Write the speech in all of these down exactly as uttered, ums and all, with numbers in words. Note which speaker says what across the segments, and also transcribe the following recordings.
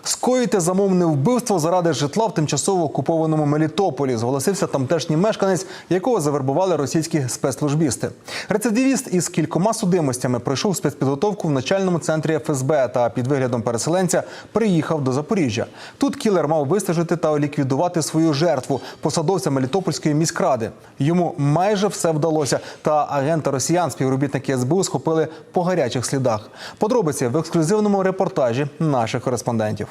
Speaker 1: Скоїти замовне вбивство заради житла в тимчасово окупованому Мелітополі, зголосився тамтешній мешканець, якого завербували російські спецслужбісти. Рецидивіст із кількома судимостями пройшов спецпідготовку в начальному центрі еф ес бе та під виглядом переселенця приїхав до Запоріжжя. Тут кілер мав вистежити та ліквідувати свою жертву – посадовця Мелітопольської міськради. Йому майже все вдалося, та агента росіян співробітники ес бе у схопили по гарячих слідах. Подробиці в ексклюзивному репортажі наших кореспондентів.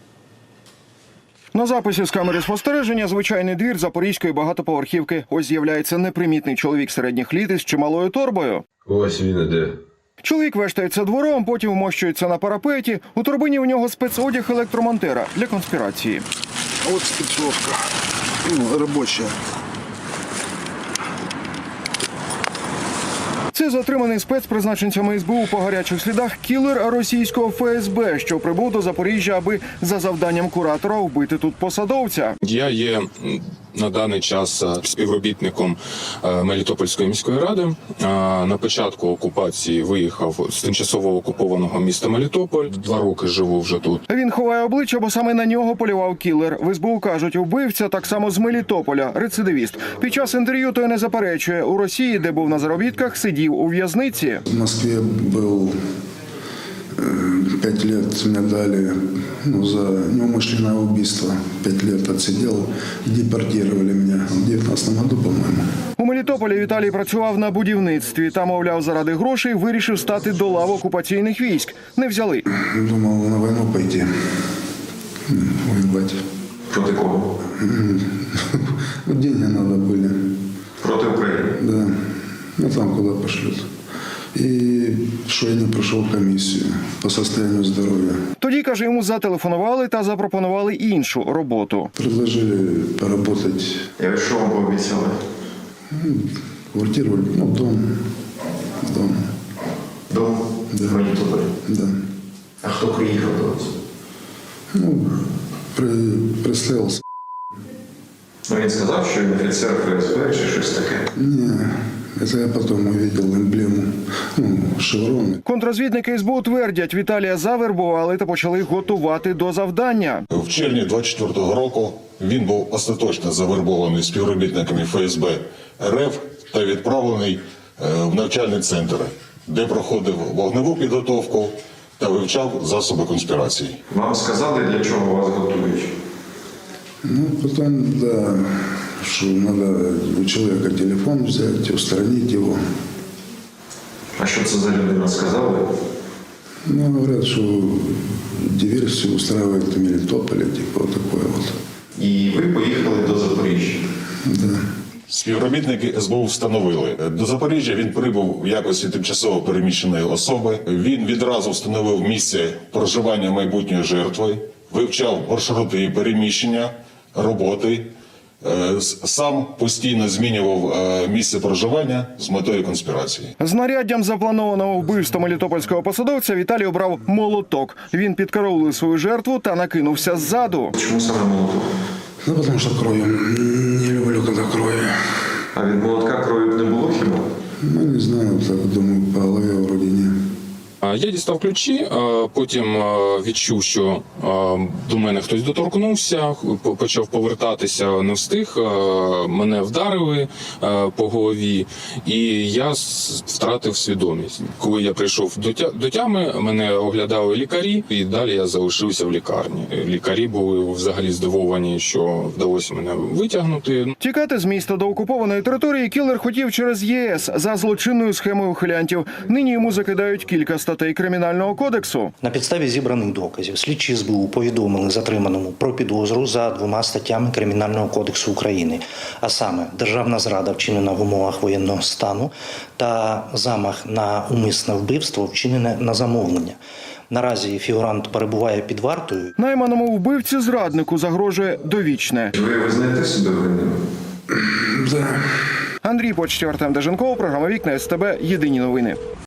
Speaker 2: На записі з камери спостереження звичайний двір запорізької багатоповерхівки. Ось з'являється непримітний чоловік середніх літ із чималою торбою.
Speaker 3: Ось він іде.
Speaker 2: Чоловік вештається двором, потім вмощується на парапеті. У торбині у нього спецодяг електромонтера для конспірації.
Speaker 4: Ось спецовка, ну, робоча.
Speaker 2: Це затриманий спецпризначенцями ес бе у по гарячих слідах кілер російського еф ес бе, що прибув до Запоріжжя, аби за завданням куратора вбити тут посадовця.
Speaker 5: Я є на даний час співробітником Мелітопольської міської ради. На початку окупації виїхав з тимчасово окупованого міста Мелітополь. Два роки живу вже тут.
Speaker 2: Він ховає обличчя, бо саме на нього полював кілер. В ес бе у кажуть, вбивця так само з Мелітополя, рецидивіст. Під час інтерв'ю той не заперечує. У Росії, де був на заробітках, сидів у в'язниці.
Speaker 4: В Москве был пять лет, мне дали ну, за неумышленное убийство. Пять лет отсидел и депортировали меня в девятнадцатом году, по-моему.
Speaker 2: У Мелітополі Віталій працював на будівництві. Та, мовляв, заради грошей вирішив стати до лав окупаційних військ. Не взяли.
Speaker 4: Думал на войну пойти, воевать.
Speaker 3: Проти кого?
Speaker 4: Ну, деньги надо были.
Speaker 3: Проти України?
Speaker 4: Да. Ну, там куда пошлют. И что я не прошел комиссию по состоянию здоровья.
Speaker 2: Тоді, каже, йому зателефонували та запропонували іншу роботу.
Speaker 4: Предложили поработать.
Speaker 3: Я що вам пообіцяли?
Speaker 4: Ну, квартиру, ну, дом. Дом.
Speaker 3: Дом?
Speaker 4: Да.
Speaker 3: В Мелітополі?
Speaker 4: Да.
Speaker 3: А хто приїхав до вас?
Speaker 4: Ну, при, прислался.
Speaker 3: Ну, він сказав, що він офіцер еф ес бе чи щось таке?
Speaker 4: Не, это я потом увидел эмблему, ну, шевроны.
Speaker 2: Контррозвідники ес бе у твердять, Віталія завербували та почали готувати до завдання.
Speaker 6: В червні двадцять четвертого року він був остаточно завербований співробітниками еф ес бе ер еф та відправлений в навчальний центр, де проходив вогневу підготовку та вивчав засоби конспірації.
Speaker 3: Вам сказали, для чого вас готують?
Speaker 4: Ну, потом, да, что надо у человека телефон взять, устранить его.
Speaker 3: А що це за людина сказали?
Speaker 4: Ну, говорят, что диверсию устраивает в Мелитополе, типа вот такое вот.
Speaker 3: І ви поїхали до Запоріжжя?
Speaker 4: Да.
Speaker 6: Співробітники ес бе у встановили. До Запоріжжя він прибув в якості тимчасово переміщеної особи. Він відразу встановив місце проживання майбутньої жертви, вивчав маршрути її переміщення, роботи. Сам постійно змінював місце проживання з метою конспірації.
Speaker 2: Знаряддям запланованого вбивства мелітопольського посадовця Віталій обрав молоток. Він підкараулив свою жертву та накинувся ззаду.
Speaker 3: Чому саме молоток?
Speaker 4: Ну, потому что кровью. Не люблю, когда кровью.
Speaker 3: А від молотка крові не було хіба?
Speaker 4: Ну, не знаю, так думаю, по голове вроде не.
Speaker 5: Я дістав ключі, потім відчув, що до мене хтось доторкнувся, почав повертатися, не встиг, мене вдарили по голові, і я втратив свідомість. Коли я прийшов до тями, мене оглядали лікарі, і далі я залишився в лікарні. Лікарі були взагалі здивовані, що вдалося мене витягнути.
Speaker 2: Тікати з міста до окупованої території кілер хотів через є ес за злочинною схемою ухилянтів. Нині йому закидають кілька статей Кримінального кодексу.
Speaker 7: На підставі зібраних доказів слідчі ес бе у повідомили затриманому про підозру за двома статтями Кримінального кодексу України, а саме державна зрада, вчинена в умовах воєнного стану, та замах на умисне вбивство, вчинене на замовлення. Наразі фігурант перебуває під вартою.
Speaker 2: Найманому вбивці-зраднику загрожує довічне.
Speaker 3: Ви визнаєте себе винним?
Speaker 4: Да.
Speaker 2: Андрій Почтєв, Артем Деженков, програма «Вікна ес те бе», єдині новини.